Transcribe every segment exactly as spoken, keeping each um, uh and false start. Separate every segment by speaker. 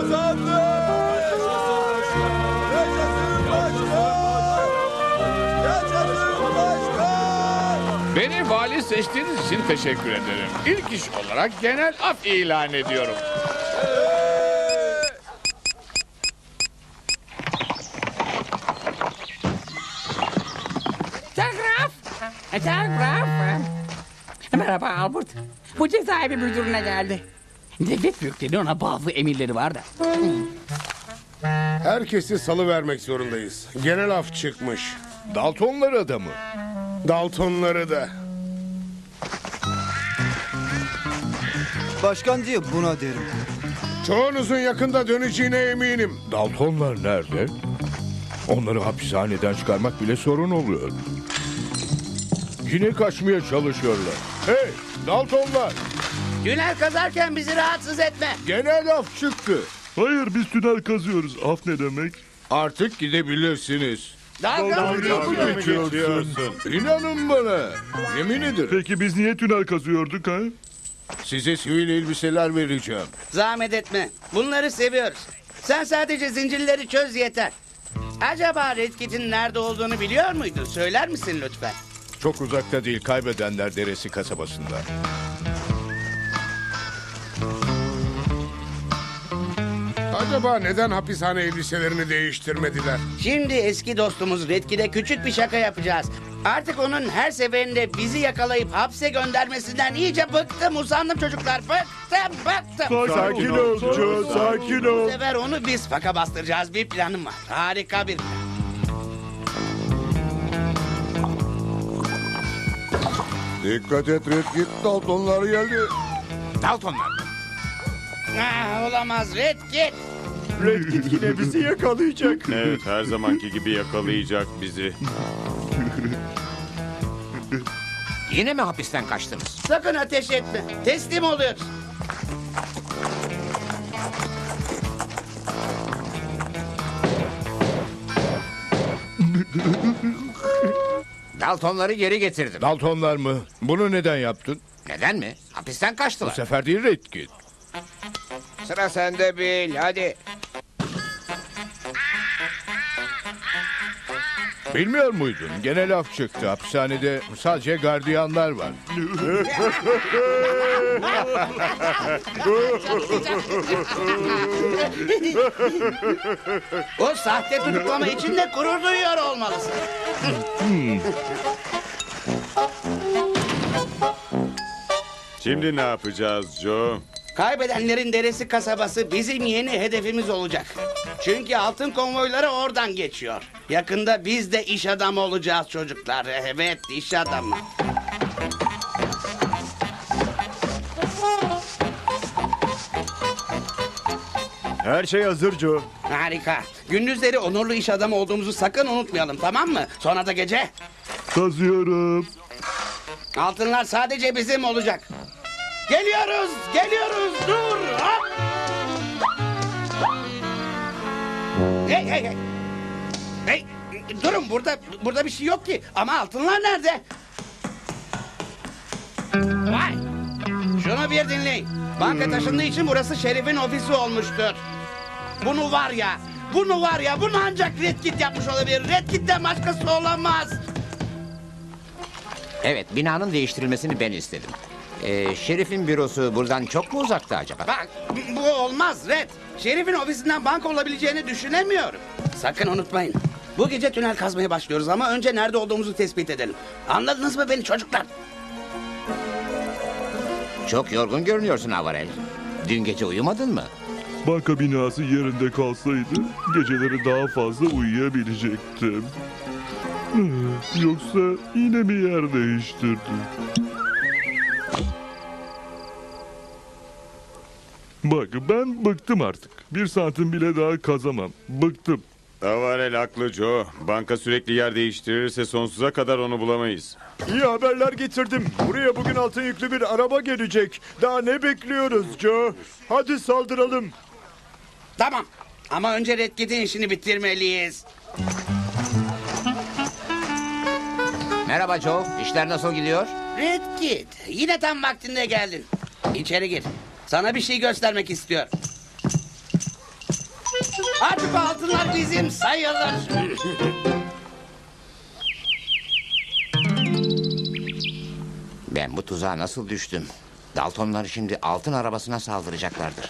Speaker 1: Kazandı.
Speaker 2: Beni vali seçtiğiniz için teşekkür ederim. İlk iş olarak genel af ilan ediyorum.
Speaker 3: Telgraf. Telgraf. Merhaba Albert. Bu cezaevi müdürüne geldi. Devlet büyükleri ona bazı emirleri var da.
Speaker 4: Herkesi salıvermek zorundayız. Genel af çıkmış.
Speaker 5: Daltonlara da mı?
Speaker 4: Daltonları da.
Speaker 6: Başkan diye buna derim.
Speaker 4: Çoğunuzun yakında döneceğine eminim.
Speaker 5: Daltonlar nerede? Onları hapishaneden çıkarmak bile sorun oluyor. Yine kaçmaya çalışıyorlar. Hey Daltonlar!
Speaker 7: Tünel kazarken bizi rahatsız etme.
Speaker 5: Genel af çıktı.
Speaker 8: Hayır biz tünel kazıyoruz. Af ne demek?
Speaker 5: Artık gidebilirsiniz.
Speaker 7: Dalga mı
Speaker 5: geçiyorsun? İnanın bana. Yemin ederim.
Speaker 8: Peki biz niye tünel kazıyorduk ha?
Speaker 5: Size sivil elbiseler vereceğim.
Speaker 7: Zahmet etme. Bunları seviyoruz. Sen sadece zincirleri çöz yeter. Acaba Red Kit'in nerede olduğunu biliyor muydun? Söyler misin lütfen?
Speaker 5: Çok uzakta değil, Kaybedenler Deresi kasabasında.
Speaker 4: Acaba neden hapishane elbiselerini değiştirmediler?
Speaker 7: Şimdi eski dostumuz Red Kit'e küçük bir şaka yapacağız. Artık onun her seferinde bizi yakalayıp hapse göndermesinden iyice bıktım, usandım çocuklar. Bıktım, bıktım.
Speaker 8: Sakin ol Joe, sakin
Speaker 7: Bu
Speaker 8: ol.
Speaker 7: sefer onu biz faka bastıracağız. Bir planım var. Harika bir plan.
Speaker 5: Dikkat et Redkit, Daltonlar geldi.
Speaker 2: Daltonlar.
Speaker 7: Ah, olamaz Red Kit.
Speaker 8: Redkit yine bizi yakalayacak.
Speaker 1: Evet, her zamanki gibi yakalayacak bizi.
Speaker 2: Yine mi hapisten kaçtınız?
Speaker 7: Sakın ateş etme. Teslim oluyoruz.
Speaker 2: Daltonları geri getirdim.
Speaker 5: Daltonlar mı? Bunu neden yaptın?
Speaker 2: Neden mi? Hapisten
Speaker 5: Bu
Speaker 2: kaçtılar.
Speaker 5: sefer değil Redkit.
Speaker 2: Sıra sende Bill, hadi.
Speaker 5: Bilmiyor muydun? Genel af çıktı. Hapishanede sadece gardiyanlar var.
Speaker 7: O sahte tutuklama için de gurur duyuyor olmalısın.
Speaker 1: Şimdi ne yapacağız Joe?
Speaker 7: Kaybedenlerin deresi kasabası bizim yeni hedefimiz olacak. Çünkü altın konvoyları oradan geçiyor. Yakında biz de iş adamı olacağız çocuklar. Evet, iş adamı.
Speaker 8: Her şey hazır Joe.
Speaker 7: Harika. Gündüzleri onurlu iş adamı olduğumuzu sakın unutmayalım, tamam mı? Sonra da gece
Speaker 8: Kazıyorum.
Speaker 7: altınlar sadece bizim olacak. Geliyoruz, geliyoruz. Dur. Hop. Hey, hey, hey. Hey, durun burada burada bir şey yok ki. Ama altınlar nerede? Vay. Şunu bir dinleyin. Banka taşındığı için burası şerifin ofisi olmuştur. Bunu var ya, bunu var ya, bunu ancak Red Kit yapmış olabilir. Red Kit'ten başkası olamaz.
Speaker 9: Evet, binanın değiştirilmesini ben istedim. Ee, şerifin bürosu buradan çok mu uzakta acaba?
Speaker 7: Bak, bu olmaz Red. Şerifin ofisinden banka olabileceğini düşünemiyorum. Sakın unutmayın. Bu gece tünel kazmaya başlıyoruz ama önce nerede olduğumuzu tespit edelim. Anladınız mı beni çocuklar?
Speaker 9: Çok yorgun görünüyorsun Avarel. Dün gece uyumadın mı?
Speaker 8: Banka binası yerinde kalsaydı geceleri daha fazla uyuyabilecektim. Yoksa yine mi yer değiştirdi? Bak ben bıktım artık. Bir santim bile daha kazamam. Bıktım.
Speaker 1: Avarel haklı Joe. Banka sürekli yer değiştirirse sonsuza kadar onu bulamayız.
Speaker 8: İyi haberler getirdim. Buraya bugün altın yüklü bir araba gelecek. Daha ne bekliyoruz Joe? Hadi saldıralım.
Speaker 7: Tamam. Ama önce Red Kit'in işini bitirmeliyiz.
Speaker 9: Merhaba Joe, işler nasıl gidiyor?
Speaker 7: Red Kit, yine tam vaktinde geldin. İçeri gir. Sana bir şey göstermek istiyorum. Bu altınlar bizim sayılır.
Speaker 9: Ben bu tuzağa nasıl düştüm? Daltonlar şimdi altın arabasına saldıracaklardır.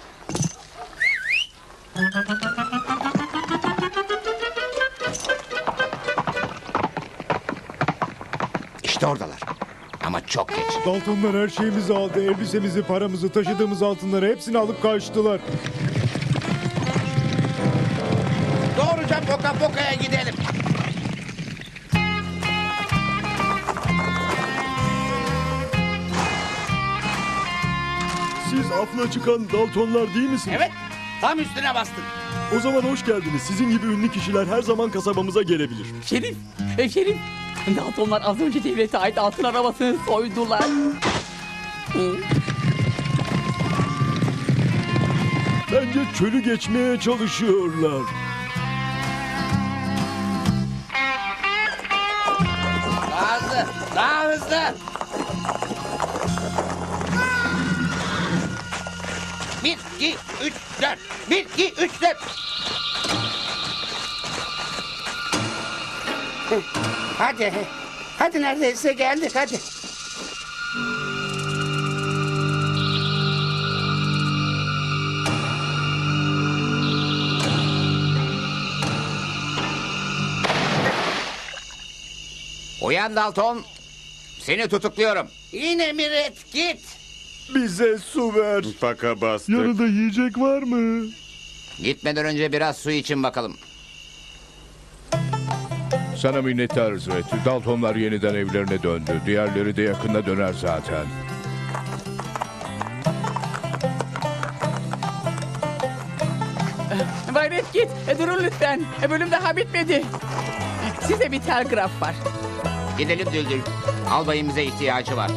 Speaker 9: İşte oradalar. Ama çok geç.
Speaker 8: Daltonlar her şeyimizi aldı. Elbisemizi, paramızı, taşıdığımız altınları hepsini alıp kaçtılar.
Speaker 7: Doğruca Poka Poka'ya gidelim.
Speaker 8: Siz afla çıkan Daltonlar değil misiniz?
Speaker 7: Evet, tam üstüne bastın.
Speaker 8: O zaman hoş geldiniz. Sizin gibi ünlü kişiler her zaman kasabamıza gelebilir.
Speaker 3: Şerif, e, Şerif. Daltonlar az önce devlete ait altın arabasını soydular. Hı.
Speaker 8: Bence çölü geçmeye çalışıyorlar.
Speaker 7: Daha hızlı, daha hızlı. Bir, iki, üç, dört. Bir, iki, üç, dört. Hadi, hadi neredeyse geldik, hadi.
Speaker 9: Uyan Dalton. Seni tutukluyorum.
Speaker 7: Yine mi Red Kit?
Speaker 8: Bize su ver.
Speaker 1: Paka bastık.
Speaker 8: Yanında yiyecek var mı?
Speaker 9: Gitmeden önce biraz su için bakalım.
Speaker 5: Sana minnettarız Red. Daltonlar yeniden evlerine döndü. Diğerleri de yakında döner zaten.
Speaker 3: Bay Redkit, e, durun lütfen. E, bölüm daha bitmedi. Size bir telgraf var.
Speaker 9: Gidelim Düldül. Albayımıza ihtiyacı var.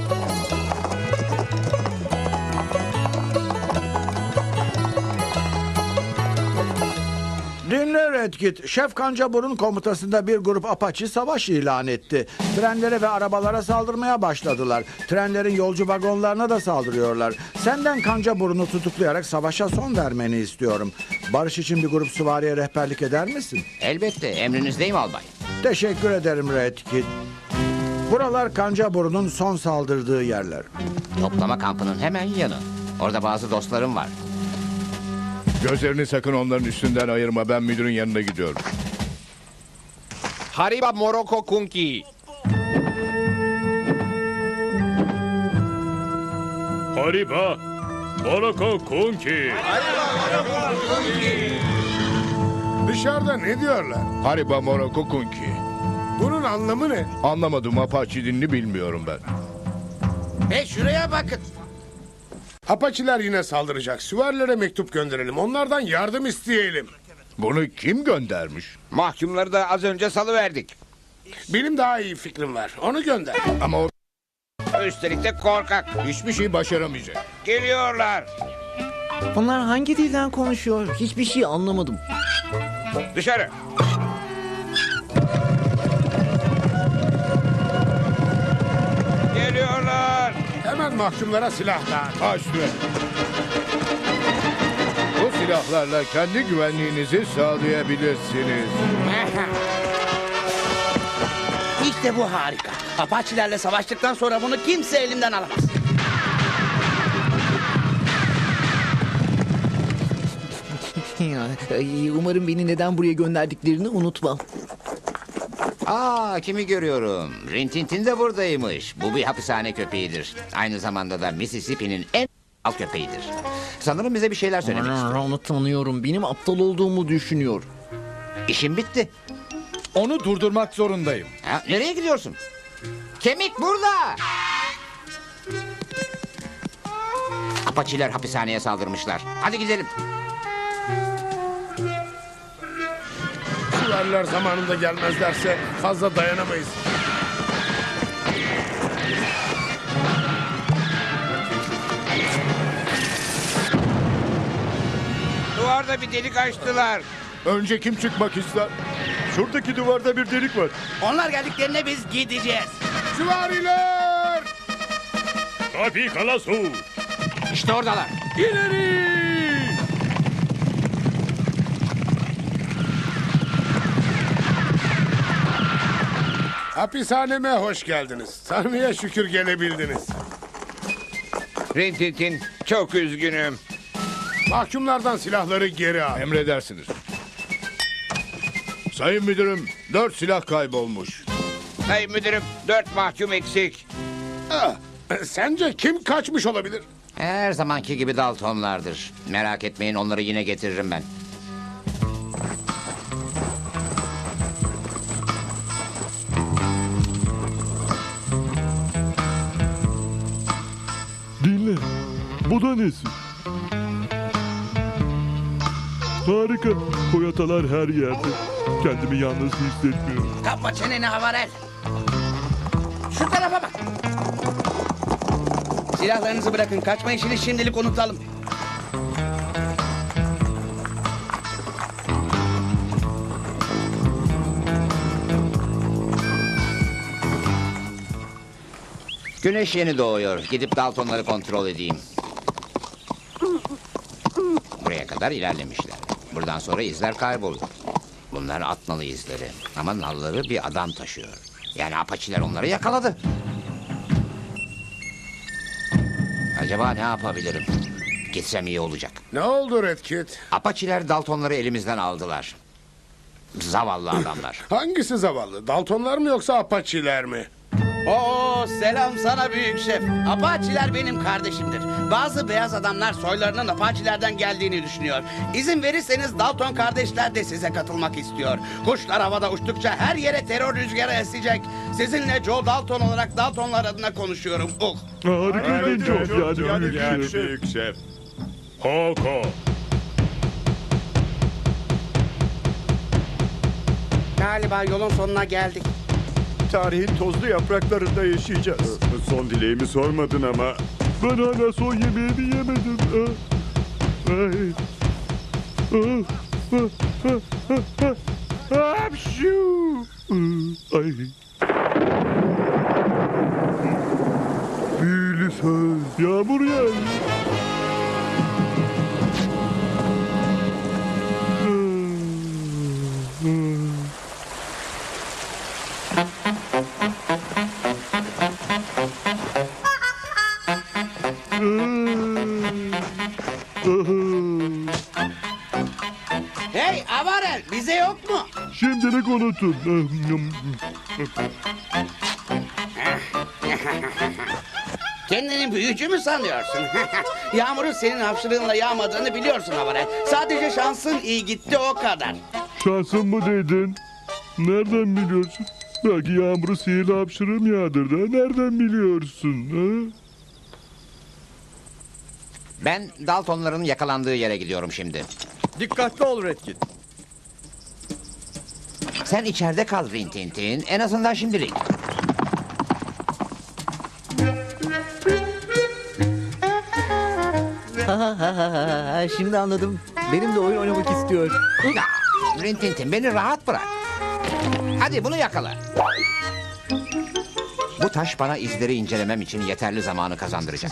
Speaker 6: Dinle Redkit. Şef Kancabur'un komutasında bir grup Apache savaş ilan etti. Trenlere ve arabalara saldırmaya başladılar. Trenlerin yolcu vagonlarına da saldırıyorlar. Senden Kancabur'unu tutuklayarak savaşa son vermeni istiyorum. Barış için bir grup süvariye rehberlik eder misin?
Speaker 9: Elbette emrinizdeyim albay.
Speaker 6: Teşekkür ederim Redkit. Buralar Kancabur'un son saldırdığı yerler.
Speaker 9: Toplama kampının hemen yanı. Orada bazı dostlarım var.
Speaker 5: Gözlerini sakın onların üstünden ayırma. Ben müdürün yanına gidiyorum.
Speaker 9: Hariba Moroko Kunki.
Speaker 1: Hariba. Moroko Kunki.
Speaker 4: Dışarıda ne diyorlar?
Speaker 5: Hariba Moroko Kunki.
Speaker 4: Bunun anlamı ne?
Speaker 5: Anlamadım. Apache dilini bilmiyorum ben.
Speaker 7: Hey şuraya bakın.
Speaker 4: Apaçiler yine saldıracak. Süvarilere mektup gönderelim. Onlardan yardım isteyelim.
Speaker 5: Bunu kim göndermiş?
Speaker 9: Mahkumları da az önce salıverdik.
Speaker 4: Benim daha iyi fikrim var. Onu gönder.
Speaker 5: Ama o
Speaker 9: Üstelik de korkak.
Speaker 5: hiçbir şey başaramayacak.
Speaker 9: Geliyorlar.
Speaker 10: Bunlar hangi dilden konuşuyor? Hiçbir şey anlamadım.
Speaker 9: Dışarı. Geliyorlar.
Speaker 4: Hemen mahkumlara silah dağıt.
Speaker 5: Aç şuraya. Bu silahlarla kendi güvenliğinizi sağlayabilirsiniz.
Speaker 7: İşte bu harika. Apaçilerle savaştıktan sonra bunu kimse elimden alamaz.
Speaker 10: Ya, ay, umarım beni neden buraya gönderdiklerini unutmam.
Speaker 9: Aa, kimi görüyorum? Rintintin de buradaymış. Bu bir hapishane köpeğidir. Aynı zamanda da Mississippi'nin en al köpeğidir. Sanırım bize bir şeyler söylemek istiyor.
Speaker 10: Aa, onu tanıyorum. Benim aptal olduğumu düşünüyor.
Speaker 9: İşim bitti.
Speaker 5: Onu durdurmak zorundayım.
Speaker 9: Ha, nereye gidiyorsun? Kemik burada. Apaçiler hapishaneye saldırmışlar. Hadi gidelim.
Speaker 4: Süvariler zamanında gelmezlerse fazla dayanamayız.
Speaker 9: Duvarda bir delik açtılar.
Speaker 5: Önce kim çıkmak ister?
Speaker 8: Şuradaki duvarda bir delik var.
Speaker 7: Onlar geldiklerinde biz gideceğiz.
Speaker 4: Süvariler!
Speaker 1: Kapi Kalasu.
Speaker 9: İşte oradalar.
Speaker 4: Hapishaneme hoş geldiniz. Tanrı'ya şükür gelebildiniz.
Speaker 9: Rintintin, çok üzgünüm.
Speaker 4: Mahkumlardan silahları geri al.
Speaker 5: Emredersiniz. Sayın müdürüm, dört silah kaybolmuş.
Speaker 9: Sayın müdürüm, dört mahkum eksik.
Speaker 4: Ah, sence kim kaçmış olabilir?
Speaker 9: Her zamanki gibi Daltonlardır. Merak etmeyin, onları yine getiririm ben.
Speaker 8: Dinle. Bu da nesi? Harika. Koyatalar her yerde. Kendimi yalnız hissetmiyorum.
Speaker 7: Kapa çeneni Havarel. Şu tarafa bak. Silahlarınızı bırakın. Kaçma işini şimdilik unutalım.
Speaker 9: Güneş yeni doğuyor. Gidip Daltonları kontrol edeyim. Buraya kadar ilerlemişler. Buradan sonra izler kaybolur. Bunlar at nalı izleri. Ama nalları bir adam taşıyor. Yani apaçiler onları yakaladı. Acaba ne yapabilirim? Gitsem iyi olacak.
Speaker 4: Ne oldu Red Kit?
Speaker 9: Apaçiler Daltonları elimizden aldılar. Zavallı adamlar.
Speaker 4: Hangisi zavallı? Daltonlar mı yoksa Apache'ler mi?
Speaker 7: Oo, selam sana büyük şef. Apaçiler benim kardeşimdir. Bazı beyaz adamlar soylarının Apaçilerden geldiğini düşünüyor. İzin verirseniz Dalton kardeşler de size katılmak istiyor. Kuşlar havada uçtukça her yere terör rüzgarı esecek. Sizinle Joe Dalton olarak Daltonlar adına konuşuyorum. Uh.
Speaker 8: Harika Joe. Yani büyük
Speaker 1: Yani
Speaker 8: şef.
Speaker 1: büyük şef. Hoko.
Speaker 7: Galiba yolun sonuna geldik.
Speaker 8: Tarihin tozlu yapraklarında yaşayacağız.
Speaker 1: Son dileğimi sormadın ama.
Speaker 8: Ben hala son yemeğimi yemedim. Ah. Ay. Ah, ah, ah, ah, ah. Hapşu. Ah, ay. Büyülü söz. Yağmur yağıyor. Ah, ah.
Speaker 7: Hey Avarel, bize yok mu?
Speaker 8: Şimdilik unutun.
Speaker 7: Kendini büyücü mü sanıyorsun? Yağmurun senin hapşırığınla yağmadığını biliyorsun Avarel. Sadece şansın iyi gitti o kadar.
Speaker 8: Şansın mı dedin? Nereden biliyorsun? Belki yağmuru sihirli hapşırığım yağdırdı. Nereden biliyorsun? Ha?
Speaker 9: Ben Daltonların yakalandığı yere gidiyorum şimdi.
Speaker 6: Dikkatli ol Red Kit.
Speaker 9: Sen içeride kal Rintintin. En azından şimdilik.
Speaker 10: Ha ha ha ha ha. Şimdi anladım. Benim de oyun oynamak istiyor.
Speaker 9: Ya, Rintintin beni rahat bırak. Hadi bunu yakala. Bu taş bana izleri incelemem için yeterli zamanı kazandıracak.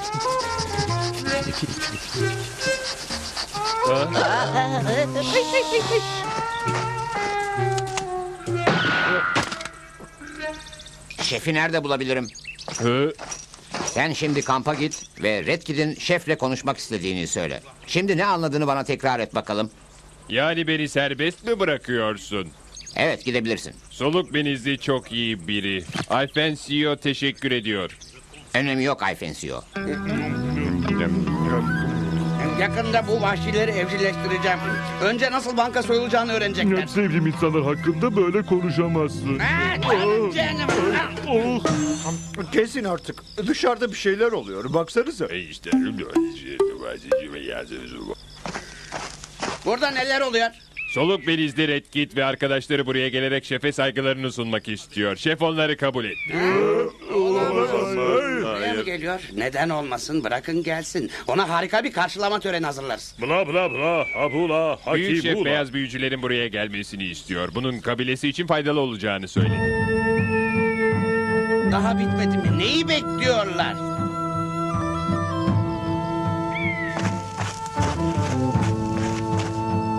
Speaker 9: Şefi nerede bulabilirim? Sen şimdi kampa git ve Red Kid'in şefle konuşmak istediğini söyle. Şimdi ne anladığını bana tekrar et bakalım.
Speaker 11: Yani beni serbest mi bırakıyorsun?
Speaker 9: Evet, gidebilirsin.
Speaker 11: Soluk benizli çok iyi biri. Alfensio teşekkür ediyor.
Speaker 9: Önemi yok Ayfensio.
Speaker 7: Yakında bu vahşileri evcilleştireceğim. Önce nasıl banka soyulacağını öğrenecekler.
Speaker 8: Sevdiğim insanlar hakkında böyle konuşamazsın.
Speaker 7: Ha, canım, canım.
Speaker 8: Oh. Kesin artık. Dışarıda bir şeyler oluyor. Baksanıza.
Speaker 7: Burada neler oluyor?
Speaker 11: Soluk benizli Red Kit ve arkadaşları buraya gelerek şefe saygılarını sunmak istiyor. Şef onları kabul etti.
Speaker 7: Buraya mı geliyor? Neden olmasın? Bırakın gelsin. Ona harika bir karşılama töreni hazırlarız.
Speaker 8: Bla bla bla. Habula.
Speaker 11: Büyük şef
Speaker 8: Hakibula.
Speaker 11: beyaz büyücülerin buraya gelmesini istiyor. Bunun kabilesi için faydalı olacağını söyledi.
Speaker 7: Daha bitmedi mi? Neyi bekliyorlar?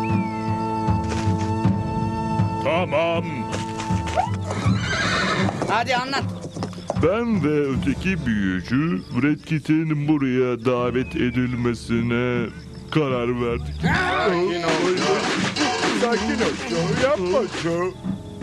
Speaker 8: Tamam.
Speaker 7: Hadi anlat.
Speaker 8: Ben ve öteki büyücü Red Kit'in buraya davet edilmesine karar verdik.
Speaker 6: Sakin ol Joe. Yapma Joe.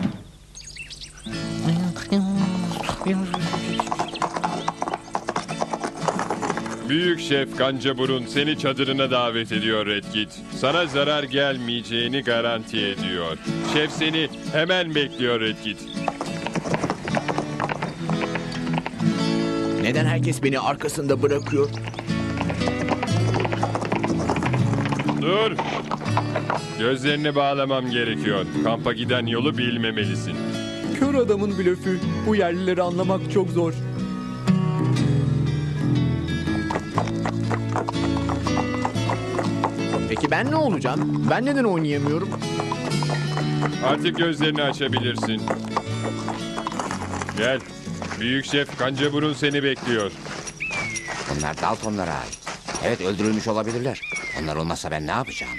Speaker 11: Büyük Şef Kancaburun seni çadırına davet ediyor Redkit. Sana zarar gelmeyeceğini garanti ediyor. Şef seni hemen bekliyor Redkit.
Speaker 10: Neden herkes beni arkasında bırakıyor?
Speaker 11: Dur. Gözlerini bağlamam gerekiyor. Kampa giden yolu bilmemelisin.
Speaker 10: Kör adamın blöfü. Bu yerlileri anlamak çok zor. Peki ben ne olacağım? Ben neden oynayamıyorum?
Speaker 11: Artık gözlerini açabilirsin. Gel. Büyük Şef Kancaburun seni bekliyor.
Speaker 9: Bunlar Daltonlara ait. Evet, öldürülmüş olabilirler. Onlar olmazsa ben ne yapacağım?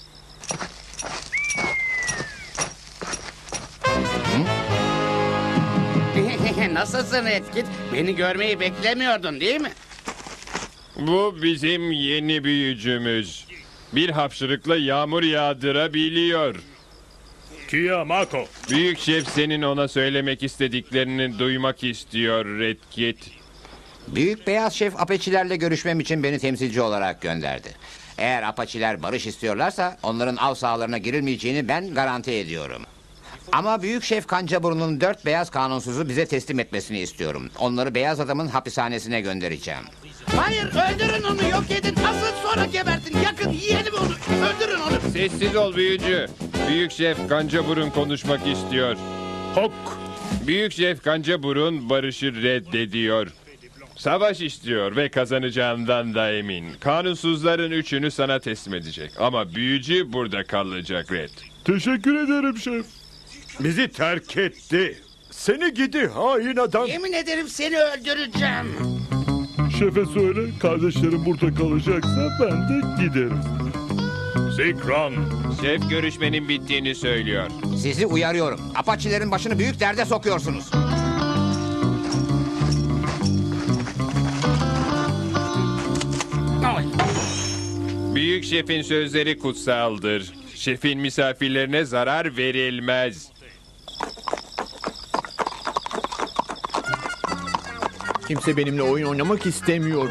Speaker 7: Nasılsın Redkit? Beni görmeyi beklemiyordun değil mi?
Speaker 11: Bu bizim yeni büyücümüz. Bir hapşırıkla yağmur yağdırabiliyor.
Speaker 8: Kiyamako.
Speaker 11: Büyük Şef senin ona söylemek istediklerini duymak istiyor Redkit.
Speaker 9: Büyük Beyaz Şef Apaçilerle görüşmem için beni temsilci olarak gönderdi. Eğer Apaçiler barış istiyorlarsa onların av sahalarına girilmeyeceğini ben garanti ediyorum. Ama Büyük Şef Kancaburun'un dört beyaz kanunsuzu bize teslim etmesini istiyorum. Onları beyaz adamın hapishanesine göndereceğim.
Speaker 7: Hayır, öldürün onu, yok edin. Asıl sonra gebertin. Yakın, yiyelim onu. Öldürün onu.
Speaker 11: Sessiz ol büyücü. Büyük Şef Kancaburun konuşmak istiyor.
Speaker 8: Hok.
Speaker 11: Büyük Şef Kancaburun barışı reddediyor. Savaş istiyor ve kazanacağından da emin. Kanunsuzların üçünü sana teslim edecek. Ama büyücü burada kalacak Red.
Speaker 8: Teşekkür ederim şef.
Speaker 6: Bizi terk etti. Seni gidi hain adam.
Speaker 7: Yemin ederim seni öldüreceğim.
Speaker 8: Şefe söyle, kardeşlerim burada kalacaksa ben de giderim.
Speaker 11: Zikran. Şef görüşmenin bittiğini söylüyor.
Speaker 9: Sizi uyarıyorum. Apaçilerin başını büyük derde sokuyorsunuz.
Speaker 11: Büyük Şef'in sözleri kutsaldır. Şefin misafirlerine zarar verilmez.
Speaker 10: Kimse benimle oyun oynamak istemiyor.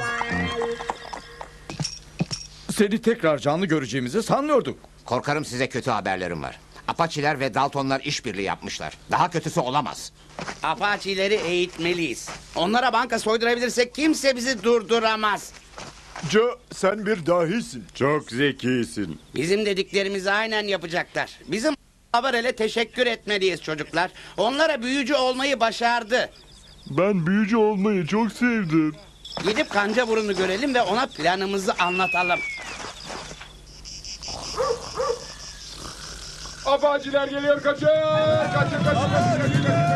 Speaker 6: Seni tekrar canlı göreceğimizi sanmıyorduk.
Speaker 9: Korkarım size kötü haberlerim var. Apaçiler ve Daltonlar işbirliği yapmışlar. Daha kötüsü olamaz.
Speaker 7: Apaçileri eğitmeliyiz. Onlara banka soydurabilirsek kimse bizi durduramaz.
Speaker 6: Joe, sen bir dahisin.
Speaker 1: Çok zekisin.
Speaker 7: Bizim dediklerimizi aynen yapacaklar. Bizim Haberel'e teşekkür etmeliyiz çocuklar. Onlara büyücü olmayı başardı.
Speaker 8: Ben büyücü olmayı çok sevdim.
Speaker 7: Gidip Kancaburun'u görelim ve ona planımızı anlatalım.
Speaker 2: Apaçiler geliyor, kaçın! Kaçın, kaçın, kaçın, kaçın!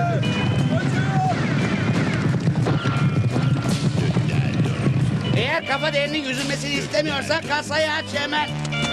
Speaker 7: Eğer kafa derinin yüzülmesini istemiyorsa kasayı aç hemen.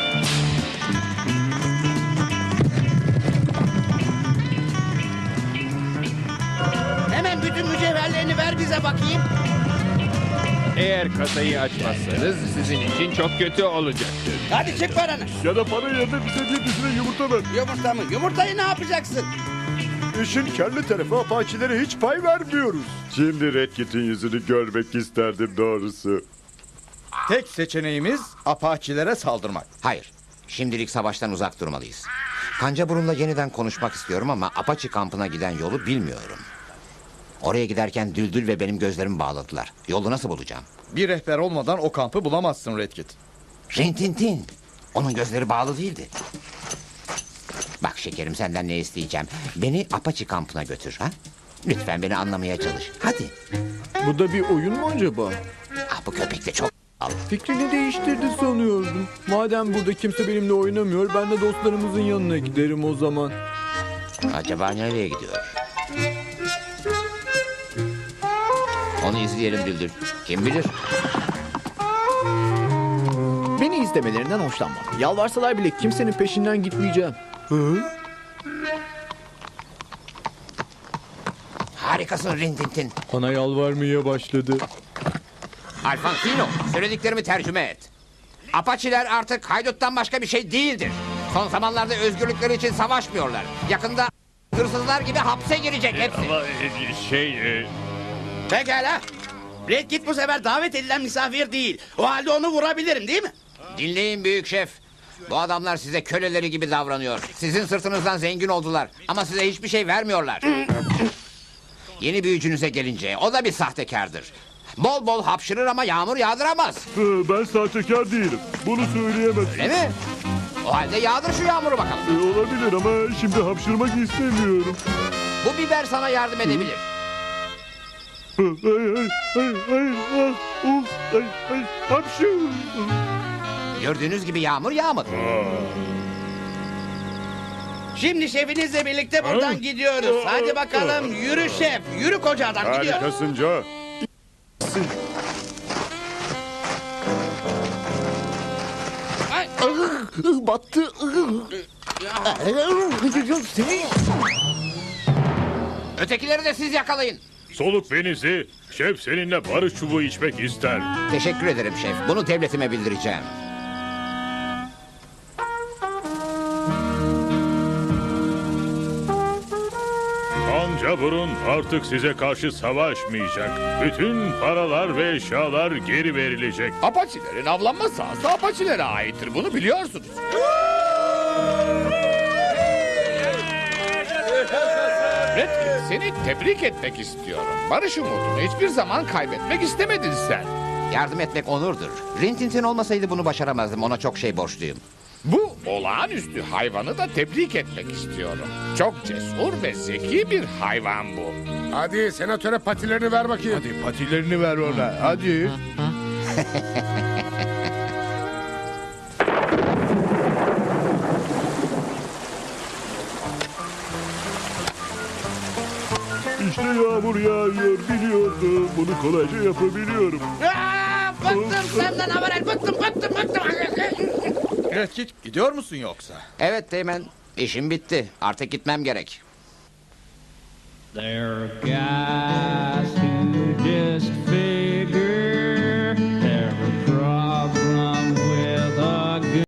Speaker 7: Hemen bütün mücevherlerini ver bize bakayım.
Speaker 11: Eğer kasayı açmazsanız sizin için çok kötü olacaktır.
Speaker 7: Hadi çık paranı.
Speaker 8: Ya da para yerine bize bir dizine yumurta ver.
Speaker 7: Yumurta mı? Yumurtayı ne yapacaksın?
Speaker 6: İşin kelli tarafı Apaçilere hiç pay vermiyoruz.
Speaker 1: Şimdi Red Kit'in yüzünü görmek isterdim doğrusu.
Speaker 6: Tek seçeneğimiz Apaçilere saldırmak.
Speaker 9: Hayır. Şimdilik savaştan uzak durmalıyız. Kancaburun'la yeniden konuşmak istiyorum ama Apache kampına giden yolu bilmiyorum. Oraya giderken Düldül ve benim gözlerimi bağladılar. Yolu nasıl bulacağım?
Speaker 6: Bir rehber olmadan o kampı bulamazsın Red Kit.
Speaker 9: Rintintin. Onun gözleri bağlı değildi. Bak şekerim, senden ne isteyeceğim? Beni Apache kampına götür ha? Lütfen beni anlamaya çalış. Hadi.
Speaker 10: Bu da bir oyun mu acaba?
Speaker 9: Ah, bu köpek de çok al.
Speaker 10: Fikrini değiştirdi sanıyordum. Madem burada kimse benimle oynamıyor, ben de dostlarımızın yanına giderim o zaman.
Speaker 9: Acaba nereye gidiyor? Onu izleyelim Düldül. Kim bilir?
Speaker 10: Beni izlemelerinden hoşlanmam. Yalvarsalar bile kimsenin peşinden gitmeyeceğim. Hı?
Speaker 9: Harikasın Rintintin.
Speaker 10: Bana yalvarmaya başladı.
Speaker 9: Alfonsino, söylediklerimi tercüme et. Apaçiler artık hayduttan başka bir şey değildir. Son zamanlarda özgürlükleri için savaşmıyorlar. Yakında hırsızlar gibi hapse girecek hepsi.
Speaker 11: Ama e, şey... e,
Speaker 7: Pekala. Red Kit bu sefer davet edilen misafir değil. O halde onu vurabilirim değil mi?
Speaker 9: Dinleyin büyük şef. Bu adamlar size köleleri gibi davranıyor. Sizin sırtınızdan zengin oldular. Ama size hiçbir şey vermiyorlar. Yeni büyücünüze gelince o da bir sahtekardır. Bol bol hapşırır ama yağmur yağdıramaz.
Speaker 8: Ee, Ben sahtekar değilim. Bunu söyleyemezsin.
Speaker 9: Öyle mi? O halde yağdır şu yağmuru bakalım.
Speaker 8: Ee, olabilir ama şimdi hapşırmak istemiyorum.
Speaker 9: Bu biber sana yardım edebilir.
Speaker 8: Ay ay ay ay ah, uf, ay ay hapşu.
Speaker 9: Gördüğünüz gibi yağmur yağmadı.
Speaker 7: Şimdi şefinizle birlikte buradan gidiyoruz. Hadi bakalım yürü şef. Yürü koca adam gidiyor.
Speaker 1: Harikasın Joe.
Speaker 3: Battı.
Speaker 9: Ötekileri de siz yakalayın.
Speaker 8: Soluk benizi. Şef seninle barış çubuğu içmek ister.
Speaker 9: Teşekkür ederim şef. Bunu devletime bildireceğim.
Speaker 8: Kanca burun artık size karşı savaşmayacak. Bütün paralar ve eşyalar geri verilecek.
Speaker 2: Apaçilerin avlanma sahası Apaçilere aittir. Bunu biliyorsunuz. Redkit, seni tebrik etmek istiyorum. Barış umudunu hiçbir zaman kaybetmek istemedin sen.
Speaker 9: Yardım etmek onurdur. Rintintin olmasaydı bunu başaramazdım. Ona çok şey borçluyum.
Speaker 2: Bu olağanüstü hayvanı da tebrik etmek istiyorum. Çok cesur ve zeki bir hayvan bu.
Speaker 4: Hadi senatöre patilerini ver bakayım.
Speaker 5: Hadi patilerini ver ona. Hadi.
Speaker 8: İşte yağmur yağıyor biliyordum. Bunu kolayca yapabiliyorum.
Speaker 7: Aa, bıktım senden haber. Bıktım bıktım bıktım.
Speaker 6: Red Kit gidiyor musun yoksa?
Speaker 9: Evet Teğmen. İşim bitti. Artık gitmem gerek.
Speaker 3: There, guys.